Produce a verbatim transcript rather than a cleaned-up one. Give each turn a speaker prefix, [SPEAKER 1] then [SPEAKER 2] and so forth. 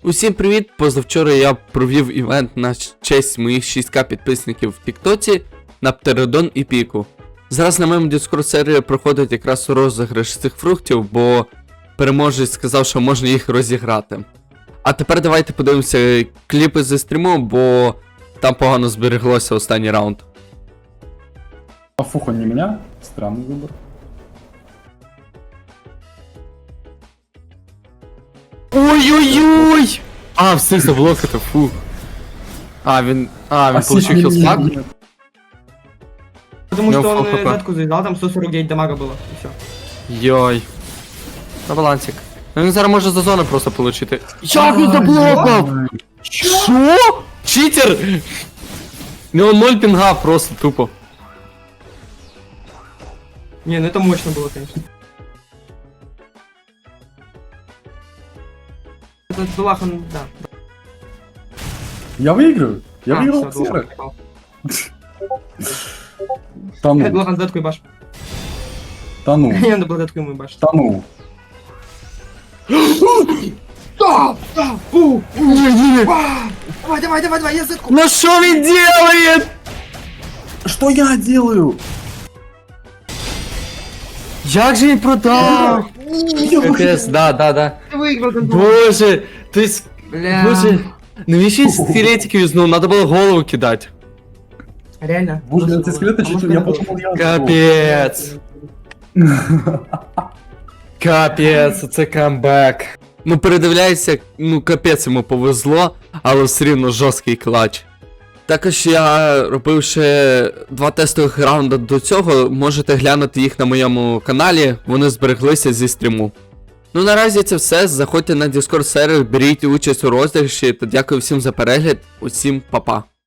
[SPEAKER 1] Усім привіт! Позавчора я провів івент на честь моїх шість ка підписників в Тіктоці на Птеродон і Піку. Зараз на моєму Discord сервері проходить якраз розіграш цих фруктів, бо переможець сказав, що можна їх розіграти. А тепер давайте подивимося кліпи зі стріму, бо там погано збереглося останній раунд.
[SPEAKER 2] А фуха не меня? Странный выбор.
[SPEAKER 1] Ой-ой-ой! А, встиг заблокати, фу. А, він... А, він получив хілспак?
[SPEAKER 3] Потому
[SPEAKER 1] Ну,
[SPEAKER 3] что он
[SPEAKER 1] хо-хо-хо.
[SPEAKER 3] метку завязал, там сто сорок девять дамага было, и все.
[SPEAKER 1] Йой. На балансик. Ну він зараз може за зону просто получити. Як він заблокав? Що? Читер! У нього ноль пінга просто тупо.
[SPEAKER 3] Не, ну это мощно было, конечно. Этот Дулах, он, да.
[SPEAKER 2] Я выиграю. Я
[SPEAKER 3] А,
[SPEAKER 2] выиграл
[SPEAKER 3] всё,
[SPEAKER 2] Ксера.
[SPEAKER 3] Дулах попал. Э,
[SPEAKER 2] Тону,
[SPEAKER 3] Дулах, он задатку ебашь.
[SPEAKER 2] тону,
[SPEAKER 3] Не надо было задатку ему ебашь.
[SPEAKER 2] тону.
[SPEAKER 3] Да, да, фу, Давай, давай, давай, давай, я задатку.
[SPEAKER 1] Ну що він делает?
[SPEAKER 2] Что я делаю?
[SPEAKER 1] Як же він продав? КТС, да, да, да.
[SPEAKER 3] Ты выиграл, ты Дулах.
[SPEAKER 1] Боже, ти с...
[SPEAKER 3] Бля.
[SPEAKER 1] Боже, навіщо він скелетики юзнув? Надо було голову кидати.
[SPEAKER 3] Реально?
[SPEAKER 2] Боже,
[SPEAKER 3] Можно
[SPEAKER 2] эти
[SPEAKER 3] было.
[SPEAKER 2] скелеты
[SPEAKER 3] А
[SPEAKER 2] чуть
[SPEAKER 3] может,
[SPEAKER 2] я
[SPEAKER 3] надо было?
[SPEAKER 2] подумал, я
[SPEAKER 1] Капець. Капець, це камбек. Ну передивляйся, ну капець йому повезло, але все рівно жорсткий клач. Також я робив ще два тестових раунди до цього, можете глянути їх на моєму каналі, вони збереглися зі стріму. Ну наразі це все, заходьте на Discord сервер, беріть участь у розіграші та дякую всім за перегляд, усім па-па.